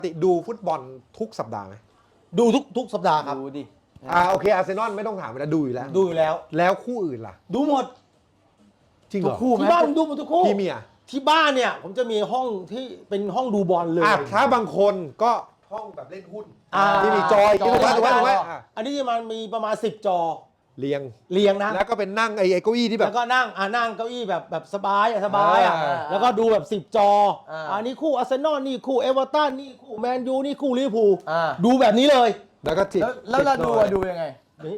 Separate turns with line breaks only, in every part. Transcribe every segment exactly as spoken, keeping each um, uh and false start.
ติดูฟุตบอลทุกสัปดาห์ไหม
ดูทุกทุกสัปดาห์ครับ
ดูดิ
อ่าโอเคอาร์เซนอลไม่ต้องถามแล้วดูอยู่แล้ว
ดูอยู่แล้ว
แล้วคู่อื่นล่ะ
ดูหมด
จริงเหรอ
คู่ไหม
ที่บ้านผมดูหมดทุกคู่
พี่เมีย
ที่บ้านเนี่ยผมจะมีห้องที่เป็นห้องดูบอลเลย
อ่ะถ้าบางคนก็ห้องแบบเล่นหุ้น
อ่า
ที่มีจอย
จอย
ถูกไหมถูกไหมถูกไหมอ่ะ
อันนี้มันมีประมาณสิบจอ
เรียง
เรียงนะ
แล้วก็เป็นนั่งไอ้ไอ้เก้าอี้ที่แบ
แล้
บ
วก็นั่งอ่านั่งเก้าอี้แบบแบบสบายอ่ะสบายอ่ะ
อ่า
แล้วก็ดูแบบสิบจอ
อ่า
อันนี้คู่อาร์เซนอลนี่คู่เอเวอร์ตันนี่คู่แมนยูนี่คู่ลิเวอร์พูล
อ่า
ดูแบบนี้เลย
แล้วก็จิบ
แล้วแล้วเรา
จิบ
ดู
หน่อย
อะดูยังไง
นี่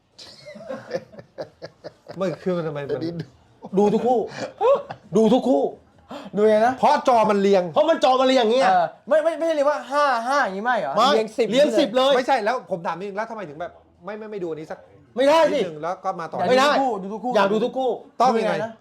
มันคือมันทำไมมัน
ดูทุกคู่ ดูทุกคู่
ดูยังไงนะ
เพราะจอมันเรียง
เพราะมันจอมาเรียงอย่างเงี้ย
เออไม่ไม่ไม่ใช่เรียกว่าห้าห้าอย่างนี้ไม่เหรอ
ไม่
เรียงสิบ
เรียงสิบเลย
ไม่ใช่แล้วผมถามนิดนึงแล้วทำไมถึงแบบไม่ไม่ไม่ดูอันนี้สัก
ไม่ได้
นิ
สิ
ดนึงแล้วก็มาต่อ
ไม่ได้
ดูทุกคู่
อยากดูทุกคู่
ต้องยังไง
นะ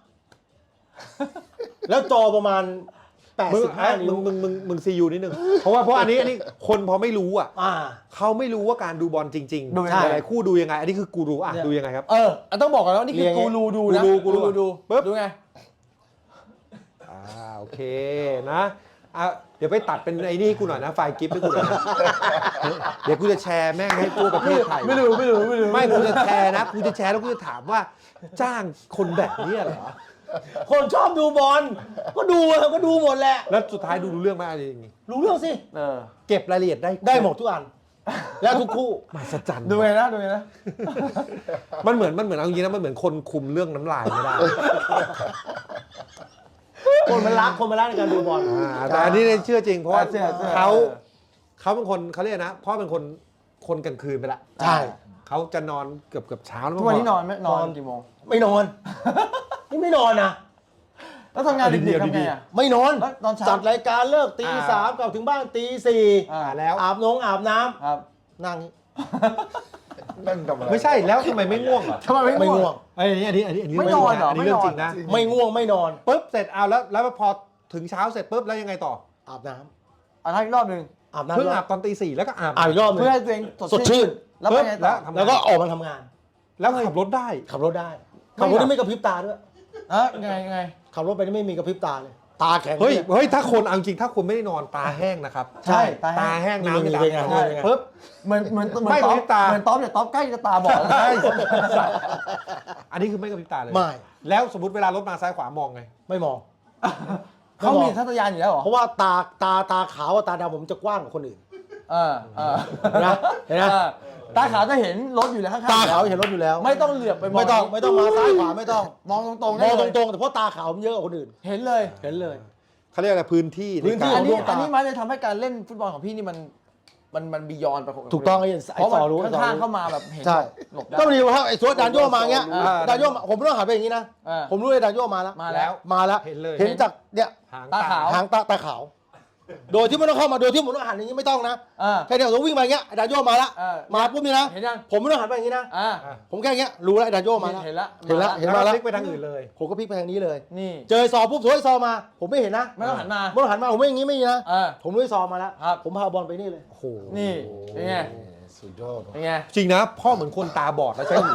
แล้วจอประมาณแปด
มึง
สิบห้า
อ่ะ
นิ้
มึ
ว
งมึงมึงมึงซียูนิดนึงเพราะว่าเพราะอันนี้อันนี้คนพอไม่รู้อ่ะ
อ่า
เขาไม่รู้ว่าการดูบอลจริง
ดู
ๆ
ยังไง
หลายๆคู่ดูยังไง อันนี้คือกูรู้อ่ะ
เนี่ย
ดูยังไงครับ
เอออ่ะต้องบอกก่อนแล้ววานี่คือ
เรียงไง
กูรูดูนะ
กูรูกูรู
ดู
ปึ๊บ
ดูไง
อ่าโอเคนะอ่ะเดี๋ยวไปตัดเป็นไอ้นี่ให้กูหน่อยนะไฟล์กิฟต์ให้กูหน่อยนะเดี๋ยวกูจะแชร์แม่งให้ทั่วประเทศไทย
ไม่รู้ไม่รู้ไม่รู้
ไม่กูจะแชร์นะกูจะแชร์แล้วกูจะถามว่าจ้างคนแบบนี้เหรอ
คนชอบดูบอลก็ดูอะก็ดูหมดแหละ
แล้วสุดท้ายดูรู้เรื่องไหมอะไรอย่างงี้
รู้เรื่องสิ
เออ
เก็บรายละเอียดได้
ได้หมดทุกอัน แล้วทุกคู่
มหัศจรรย์
ดูไงนะดูไงนะ
มันเหมือนมันเหมือนเอาจริงๆนะมันเหมือนคนคุมเรื่องน้ำลายไม่ได้
คนมันรักคนมันรักในการดูบอล
อ่าแต่อันนี้เนี่ยเชื่อจริงเพราะว่า
เชื่อเชื่อ
เขาเขาเป็นคนเขาเรียกนะเพราะเป็นคนคนกลางคืนไปละ
ใช่
เขาจะนอนเกือบเกือบเช้าแล้ว
ทุกวันนี้นอนไหมนอน
นอน
กี่โมง
ไม่นอน นี่ไม่นอนนะ
แล้วทำงานดึกๆทำไงอ่ะ
ไม่นอน
แล้วตอนเช้า
จัดรายการเลิกตีสามกลับถึงบ้านตีสี่
อ่า
อ่าแล้ว
อาบน้องอาบน้
ครับ
ำนั่งนี่
นั่งทำอะไร
ไม่ใช่แล้วทำไมไม่ง่วงเหรอ
ทำไมไม่
ไม่
ง่
ง่
ว
ว
ง
ง
ไอ้ยอันนี้อันนี้อันนี้
ไม่
เรื่
นอนเหรอ
อันนี้เรื่อง
ไม่นอน
จริงนะ
ไม่ง่วงไม่นอน
ปุ๊บเสร็จเอาแล้วแล้วพอถึงเช้าเสร็จปุ๊บแล้วยังไงต่อ
อาบน้
อ่ะทักอีกรอบหนึ่ง
ำอาบน้ำ
เพิ่งอาบตอนตีสี่แล้วก็อาบ
อาบอีกรอบหนึง
เพื่อให้ตัวเอง
สดชื่น
แล้วไปไงต่อ
แล้ว
แล้วก็ออกมาทำงาน
แล้วขับรถได้
ขับรถได้ ขับรถนี่ไม่กระพริบตาด้วย
อ่ะยังไงยังไง
ขับรถไปนี่ไม่มีกระพริบตาเลย ตาแข็ง
เฮ้ย
นี่
เฮ้ยถ้าคนเอาจริงถ้าคุณไม่ได้นอนตาแห้งนะครับ
ใช่ตา
ตา
แห้ง
แห้งน้ำ
นี่
จะ
เป็นไง
ดำ
ใช่เป็นไง
ปุ๊บ
เหมือนเหมือนเหมือน
ไม่
ต๊อป
กระพริบตา
เหมือนต๊อปเนี่ยต๊อปใกล้จะตาบอดแล้ว
ใช่อันนี้คือไม่กระพริบตาเลย
ไม่
แล้วสมมติเวลารถมาซ้ายขวามองไง
ไม่มอง
เขามีทัศยานอยู่แล้วเหรอ
เพราะว่าตาตาตาขาวกับตาดำผมจะกว้างกว่าคนอื่น
เออเออ
นะเห็นไหม
ออตาขาวจะเห็นรถอยู่แล้วข้างๆ
ตาขาว
อยู่
เห็นรถอยู่แล้ว
ไม่ต้องเหลือบไปมอง
ไม่ต้องไม่ต้องมาซ้ายขวาไม่ต้อง
มองตรงๆ
ม
ได้
อง
เล
ต
ย
รงๆแต่เพราะตาขาวมันเยอะกว่าคนอื่น
เห็นเลย
เห็นเลย
เขาเรียกอะไรพื้นที่
พื้นที่
ใกา
อั
ร
นนี้
ดวงตา
อันนี้มันเลยทำให้การเล่นฟุตบอลของพี่นี่มันมันมันบียอนไปคน
ถูกต้องไอ้
เพราะ
ไอ้สอรู้
มัน
ไอ้สอ
ข้างๆ
รู้
เข้ามาแบบเห็น
ใช่
หลบได้
ก็พอดีว่าไอ้สวดดานโยมาอย่างเงี้ย
อ่า
ดานโยมาผมไม่ต้องหันไปอย่างนี้นะ
เออ
ผมรู้ไอ้ดานโยมาแล้ว
มาแล้ว
มาแล้ว
เห็นเลย
เห็นจากเนี่ย
หาง
ตาขาว
หางตาตาขาว โดยที่ไม่ต้องเข้ามาโดยที่ผมต้องหันอย่างนี้ไม่ต้องนะ
อ่า
แค่เดียวผมวิ่งมาอย่างเงี้ยไอ้ดานโยมาแล้ว
เออ
มาปุ๊บนี่นะ
เห็นยัง
ผมไม่ต้องหันไปอย่างนี้นะ
อ่า
ผมแค่อย่างเงี้ยรู้แล้วไอ้ดานโยมาแล้ว
เห็นละ
เห็นละ
มา
เห็น
แล้ว
มา
ก็
แล้ว
พลิกไปทางอื่นเลย
ผมก็พลิกไปทางนี้เลย
นี่
เจอไอ้ซอปุ๊บสวยไอ้ซอมา ผมไม่เห็นนะ
ไม่ต้องหันมา
ไม่ต้องหันมาผมไม่อย่างนี้ไม่อย่างนี้นะ
เออ
ผมรู้ไอ้ซอมาแล้ว
ครับ
ผมพาบอลไปนี่เลย
โอ้โห
นี่เป็นไง
สุดยอด
เป็นไง
จริงนะพ่อเหมือนคนตาบอดแล้วใช้หู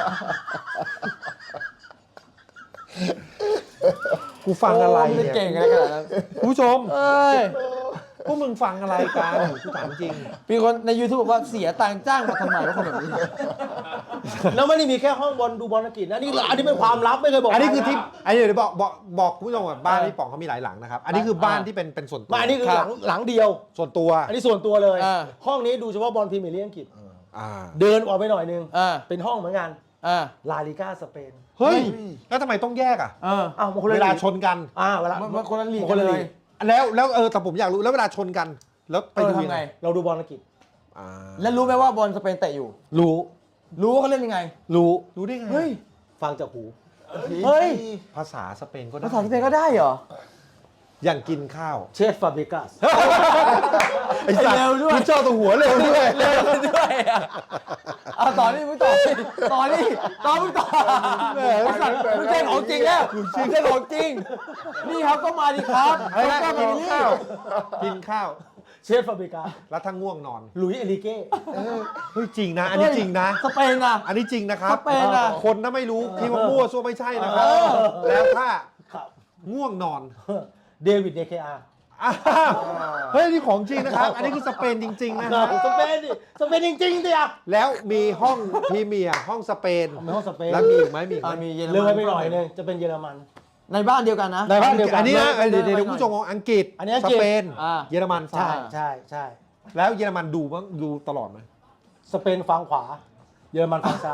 กูฟังอะไร
โม่
เนี่ย
เก่งอะไรขนาดนั้น
คุณผู้ชม
เอ้ย
พวกมึงฟังอะไรกันกูถามจริง
มีคนใน YouTube บอกว่าเสียตังค์จ้างมาทำไมว่าคนแบบนี้
แล้วไม่ได้มีแค่ห้องบอลดูบอลอังกฤษนะนี่อันนี้เป็นความลับไม่เคยบอก
อันนี้คือ
ใร
ที่
นะ
อันนี้เดี๋ยวบอกบอกบอกคุณผู้ชมว่าบ้านพี่ป๋องเขามีหลายหลังนะครับ อันนี้คือบ้านที่เป็นเป็นส่วนตัว
ไม่อันนี้คือหลังหลังเดียว
ส่วนตัว
อันนี้ส่วนตัวเลย
อ่า
ห้องนี้ดูเฉพาะบอลพรีเมียร์ลีกอังกฤษ
อ่า
เดินออกไปหน่อยนึง
อ่า
เป็นห้องเหมือนกัน
อ่า
ลาลิก้าสเปน
เฮ้ยแล้วทำไมต้องแยกอ่ะ
เออ
อ้าวมันคนละ
เวลา
ลีก
ชนกัน
อ่าเวลา
มันมันคนละลีก
คนละ
เล
ลี
ย
ก
แล้วแล้วเออแต่ผมอยากรู้แล้วเวลาชนกัน แล้วไป
เออ
ดู
ทำไง
เราดูบอลอังกฤษ
อ่า
แล้วรู้ไหมว่าบอลสเปนเตะอยู่
รู้
รู้ว่าเขาเล่นยังไง
รู้
รู้ได้ไง
เฮ้ย
ฟังจากหู
เฮ้ย
ภาษาสเปนก็ได้
ภาษาสเปนก็ได้เหรอ
อย่างกินข้าว
เชฟฟาบริกัส
ไอ้สัตว์
เร็วด้วย
มึงเจ้าตัวหัวเร็วด้วย
เร็วด้วยอ่ะเอาต่อนี่มึงต่อนี่ต่อนี่ต่อมึงต่อไอ้สัตว์มึงเล่นของจริงแล้วมึงเล่นของจริง นี่ครับก็มาดิครับ
อะไรนะ
ก็
กิ
มาน ดิ
ข้าวกินข้าว
เชฟฟาบริกัส
แล้วถ้าง่วงนอน
หลุยส์เอลิเก้
เฮ้ยจริงนะ อันนี้จริงนะ
สเปนอ่ะ
อันนี้จริงนะครับ
สเปนอะ
คนถ้าไม่รู้คิดว่ามั่วซั่วไม่ใช่นะครับ
เออ
แล้วถ้า
ครับ
ง่วงนอน
เดวิดเดเคอาร์
อ้าวเฮ้ยนี่ของจริงนะครับ อันนี้คือสเปนจริง ๆ นะฮะ
สเปนดิสเปนจริงๆดิอ่ะ
แล้วมีห้องพรีเมียร์ห้องสเปน
มีห้องสเปน
แล้วมีอีกไหมมีอีกไห
อ่าม มีเยอร
เลย
มัน
ไปหน่อยนึงจะเป็นเยอรมัน
ในบ้านเดียวกันนะ
ในบ้านเดียวกั
อันนี้นะ
เลย
เดี๋ยวเดี๋ยว
เลย
เดี๋ยวคุณผู้ชมของอังกฤษ
อันนี้อัง
ส
กฤษ
เปน
อ่า
เยอรมัน
ใช่ใช่ใช่
แล้วเยอรมันดูบ้างดูตลอดไหม
สเปนฝั่งขวา เยอรมันฝั่งซ้าย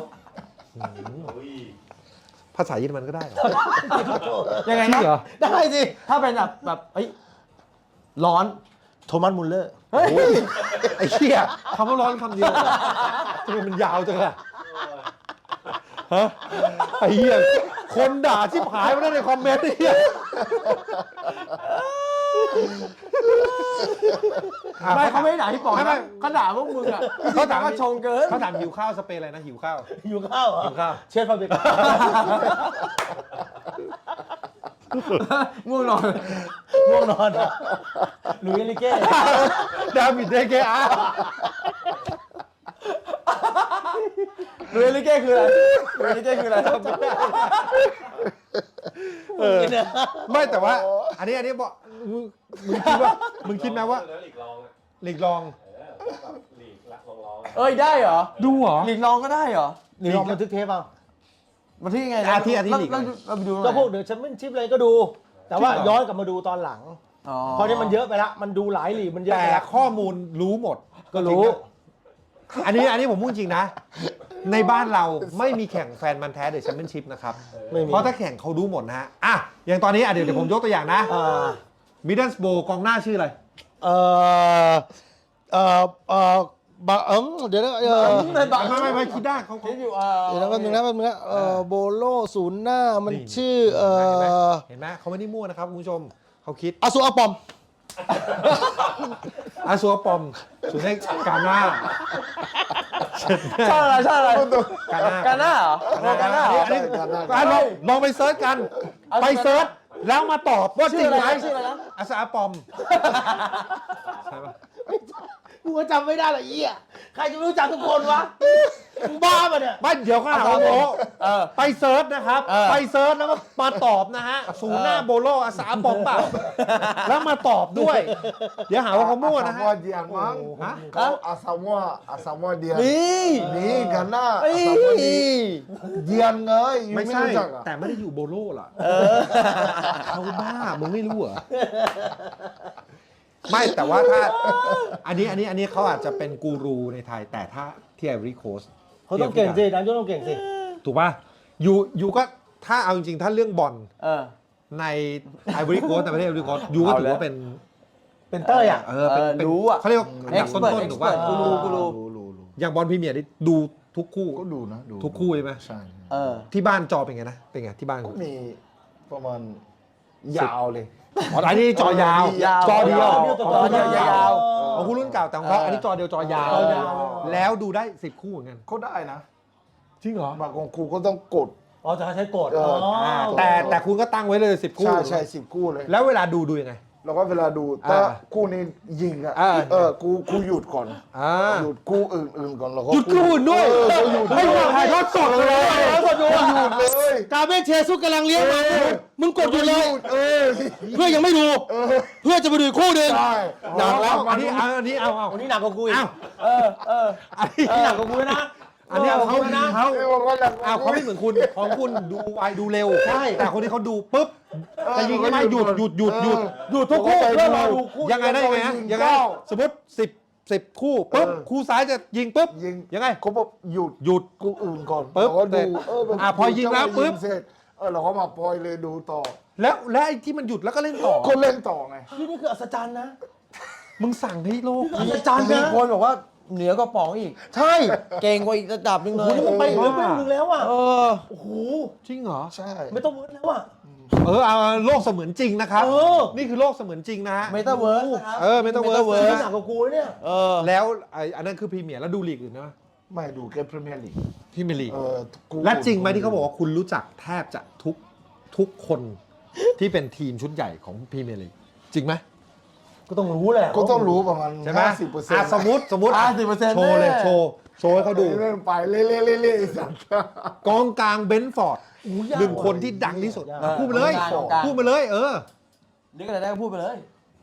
ภาษาเยอรมันก็ได้เหรอ
ยังไง
จริ
นะ
งเหรอ
ได้สิ
ถ้าเป็นแบบแบบเฮ้ยร้อน
โทมัสมุลเลอร์
เฮ้ย
โอ้ยไอ้เหี้ยคำว่าร้อนคำเดียวทำไมมันยาวจังอะฮะไอ้เหี้ยคนด่าชิบหายมาได้ในคอมเมนต์ไอ้เหี้ยอ่ะ
ไม่เขาไม่ได้ด่าที่ปอก
ไม่ไม่
นะเขาด่าพวกมึงอ่ะ
เขาถาม
ก็ชงเกิน
เขาถามหิวข้าวสเปนอะไรนะหิวข้าว
อยู่ข้าวเหรอ
หิวข้าว
เชฟฟาเบกา
ง่วงนอน
ง่วงนอนอะหลุยส์เอลิเก้
ดาวิดเดเกอา
เรือลิเก้คืออะไรเรือลิเก้คืออะไร
เออไม่แต่ว่า อันนี้อันนี้บอกมึงมึงคิดว่ามึงคิดไหมว่า
แล้วหลีกรองอะ
หลีกรอง
เออแบบหลีกละรองรองอะ
เอ้ยได้เหรอ
ดูเหรอ
หลีกน้องก็ได้เหรอ
นี่ลองบันทึกเทปเอา
มาที่ไง
อาทิตย์อาทิตย์หลีก
แล้วแล้วไปดูตรงไหน
ก็พวกเดอะแชมเปี้ยนชิพอะไรก็ดู แต่ว่า
จริงเหรอ
ย้อนกลับมาดูตอนหลัง
อ๋อ
เพราะนี่มันเยอะไปละมันดูหลายลีกมันเยอะ
แต่
ไปละ
ข้อมูลรู้หมด
ก็รู้
อันนี้อันนี้ผมพูดจริงนะ ในบ้านเราไม่มีแข่งแฟนมันธุ์แท้เดอะแชมเปี้ยนชิพนะครับ
ไม่มี
เพราะถ้าแข่งเขารู้หมดนะฮะ อ่ะ อย่างตอนนี้อ่ะเดี๋ยวเดี๋ยวผมยกตัวอย่างนะ
อ่า
มิดเดิลสโบกองหน้าชื่ออะไร
เอ่อเอ่อเอ่อบะเอิงเดี๋ยวนะเออ
ในบัง
ไม่ไม่ไม่คิดได้เขา
คิดอยู่เออ
เดี๋ยวนะแป๊บนึงนะแป๊บนึงนะเอ่อโบโลศูนย์หน้ามัน
นี่
ชื่อเอ่
เห็นไหม
อ
เห็นไหมเขาไม่ได้มั่วนะครับคุณผู้ชมเขาคิด
อาซูอาปอม
อาซัวปอมสุดท้ายกาหน้า
ชอบอะไรชอบอะไร
กาหน้าก
าหน้าเหรอ
กาหน้า
เหรอ
อันนี้อ่ะลองลองไปเซิร์ชกัน
เอา
ไปเซิร์ชแล้วมาตอบว่าจ
ชื่
ริ
อง อะไร
ไหม
นะชื่ออะไรนะ
อาซาปอมใช่ปะ
กูก็จำไม่ได้หรอกไอ้เหี้ยใครจะไม่รู้จักทุกคนวะมึงบ้าปะเนี่ย
ไม่เดี๋ยวก็หาว่าโม
เออ
ไปเซิร์ชนะครับ
เออ
ไปเซิร์ชแล้วก็มาตอบนะฮะศูนย์หน้าโบโลอาซาปอมเปล่าแล้วมาตอบด้วย เดี๋ยวหาว่าเขามั่วนะ
อา
ฮะ
ซามัวเดียนมั้ง
ฮะ
เขาอาซามัวอาซามัวเดียน
นี่
นี่กันนะ
เอ้
อาซามัวเดียน
ย
เดียนไงยู
ไม่
ไม่
ใช่
รู้จักอ่ะ
แต่ไม่ได้อยู่โบโลล่ะเขาบ้ามึงไม่รู้เหรอไม่แต่ว่าถ้าอันนี้อันนี้อันนี้เขาอาจจะเป็นกูรูในไทย แต่ถ้าที่ไอวอรี่โคส
เขาต้องเก่งสินักโยนต้องเก่งสิ
ถูกป่ะยูยูก็ถ้าเอาจริงๆ ถ้าเรื่องบอล
เออ
ในไอวอรี่โคสแต่ประเทศไอวอรี่โคสยูก็ถือว่าเป็น
เป็นเต้ยอ่ะ
เออเป็น
เออ
เป็น
รู้อะ
เขาเรียกว่าอันดับต้นๆถูกป่ะ
expert กูรู้กูรู้
รู้รู้รู้
อย่างบอลพรีเมียร์นี่ดูทุกคู่
ก็ดูนะดู
ทุกคู่ใช่ไหม
ใช่
เออ
ที่บ้านจอเป็นไงนะ เป็นไงที่บ้าน
ก็มีประมาณยาวเลย
อ๋ออันนี้จอยาว
ยาว
จอเดียว
จอเดียวยาว
ของคุณรุ่นเก่าแต่ของเขาอันนี้จอเดียวจอยาว
จอยาว
แล้วดูได้สิบคู่เหมือนกัน
ก็ได้นะ
จริงเหรอ
บางของครูก็ต้องกด
อ๋อจะใช้กด
เออ
อ๋อ
อ่าแต่แต่คุณก็ตั้งไว้เลยสิบคู่
ใช่ใช่สิบคู่เลย
แล้วเวลาดูดูยังไง
แล้วก็เวลาดูถ้า
อ่า
คู่นี้ยิงอ่ะ
อ่า
เออกูกูหยุดก่อน
อ่า
หยุดคู่อื่นๆก่อนแล้วก็
หยุดคู่อื่นด้วย
เออก็หยุด
ไม่อยากถ่ายทอดสดเลย
แล้วกดอยู่
ก็หยุดเลย
กาเบนเชซุกกำลังเลี้ยงมามึงกดอยู่เลย
เออ
เพื่อยังไม่ดู
เออ
เพื่อจะไปดูอีกคู่หนึ่ง
ใช่
หนักแล้ว
อั
อั
น
น
นี้
นี้เอาอันนี้เอาเอา
วันนี้หนักกว่ากูอีก
เอา
เออเออ
อันนี้
นี่หนักกว่ากูนะ
อันนี้เอาเขานะเขา
ไม่บอกว่าหนัก
เอาเขาไม่เหมือนคุณของคุณดูไวดูเร็ว
ใช่
แต่คนที่เขาดูปุ๊บ
เออ
จะยิงใช่ไหมหยุดหยุดหยุดหยุด
เออ
หยุดทุกคู่
ผมก็ไป
เพื่อรอ
ดู
ดูคู่ยังไงได้ยังไงฮะ
ยิง
ยังไง
เก้า
สมมติสิบสิบคู่ปุ๊บ
เออ
คู่ซ้ายจะยิงปุ๊บ
ยิง
ยังไง
เขาบอกหยุด
หยุด
กูอื่นก่อน
ปึ๊บ
แล้วก็
เสร็
ดู
จ
เออมัน
อ่ะพอยิงแล้วปึ๊บ
เสร็จเออเราก็มาปล่อยเลยดูต่อ
แล้วและไอ้ที่มันหยุดแล้วก็เล่นต่อ
ก็เล่นต่อไง
นี่นี่คืออัศจรรย์นะ
มึงสั่งให้โลก
อัศจรรย์
มี
นะ
คนบอกว่าเหนือกว่าป๋องอีก
ใช่
เก่งกว่าอีกระดับหนึงเล
โอ้
ย
โหนี่มันไปอีกเลเวลหนึงแล้วอ่ะ
เออ
โอ้โห
จริงเหรอ
ใช่
ไม่ต้องเวิร์ดแล้วอ่ะ
เออเอาโลกเสมือนจริงนะครับ
เออ
นี่คือโลกเสมือนจริงนะฮะ
เมตาเวิร์สนะครับ
เออ Metaverse
เวิร์
นี่
ส
หนักกว่ากูนะเนี่ย
เออ
แล้วไอ้อันนั้นคือพรีเมียร์แล้วดูลีกอื่นนะ
ไม่ดูแค่พรีเมียร์ลีก
พรีเมียร์ลีก
เออกู
และจริงไหมที่เขาบอกว่าคุณรู้จักแทบจะทุกทุกคนที่เป็นทีมชุดใหญ่ของพรีเมียร์ลีกจริงไหม
ก็ต้องรู้แหละ
ก็ต้องรู้ประมาณ
ใช่ไหม
ห้าสิบเปอร์เซ็น
อ่ะ
ต์
สมมติสมมติ
ห้าสิบเปอร์เซ็นต์
โชว์เลย
แน่
โชว์โชว์ให้เขาดู
เล่นไปเล่เล่เล่เล่สัตว์
กองกลางเบนฟอร์ดหนึ่งคนที่ดังที่สุด
เออ
พูดไปเลย
กองกลาง
พูดไปเลย เออ
นึกอะไรได้ก็พูดไปเลย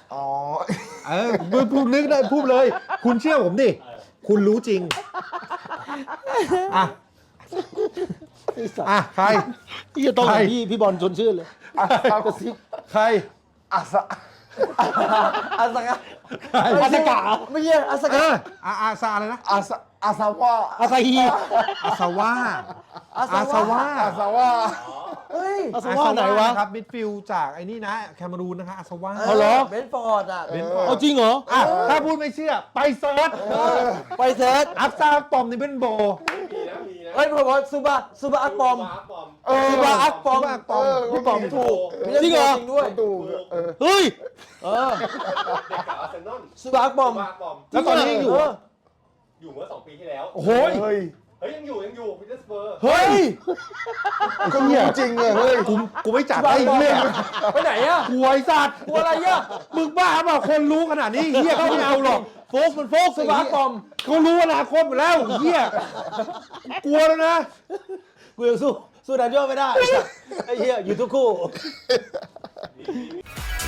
อ๋อ
เออพูดพูดนึกได้พูดเลย คุณเชื่อผมดิ คุณรู้จริง อ่ะ อ่ะ ใคร
ที่จะต้อง
ใคร
พี่พี่บอลชวนชื่นเลย
อาซาก
ระซิบ
ใคร
อาซา
อาสกะ
อาสกะ
ไม่ใช่อาส
เอก
ะ
ออาอาซาอะไรนะ
อาซาอาซาว่า
อาซาฮี
อาซาว่า
อา
อาซาว่า
อาซาว่า
เฮ้ย
อาซาว่าไหนวะ
ครับมิดฟิลด์จากไอ้นี่นะ แคนารูนนะคะอาซาว่า
เอาเหรอ
เบนฟอร์ดอ่ะ
เบนฟอร์ด
เอาจริงเหรอ
อ่ะถ้าพูดไม่เชื่อ ไปเซิร์ช
ไปเซิร์ช
อัพซาปอมนี่เป็นโบ
มีนะมีนะ
เฮ้ยผมว่าซูบะซูบะอักปอม
ปอม
เออ
ซูบะอักปอม
ซูบะอักปอม
พี่ปอมถูก
จริงเหรอ
จริงด้วย
ดูเออ
เฮ้ย
เออ
เด็กกับอาร์เซนอล
ซูบะอักปอม
มาปอม
แล้วตอนนี้ยังอยู่
เ
อ่ะ
อยู่เมื่อสองปีที่แล้ว
โอ้โหย
เฮ้ย
เฮ้ยยังอยู่ยังอยู่พีเตอร์สเปอร์
เฮ้ย
ก็รู้จริงเลยเฮ้ย
กูกูไม่จัดได้เรื่อง
ไปไหนอ่ะ
กลัวไอ้สัตว์
กลัวอะไรอ่ะ
มึงบ้าเปล่าคนรู้ขนาดนี้เฮียเขาไม่เอาหรอก
โฟกมันโฟก
ซูบะอักปอม
เขารู้อนาคตหมดแล้วเฮียกลัวแล้วนะ
กูยังสู้สู้ดันโยไม่ได้ไอ้เหี้ยอยู่ทุกคู่
มีมี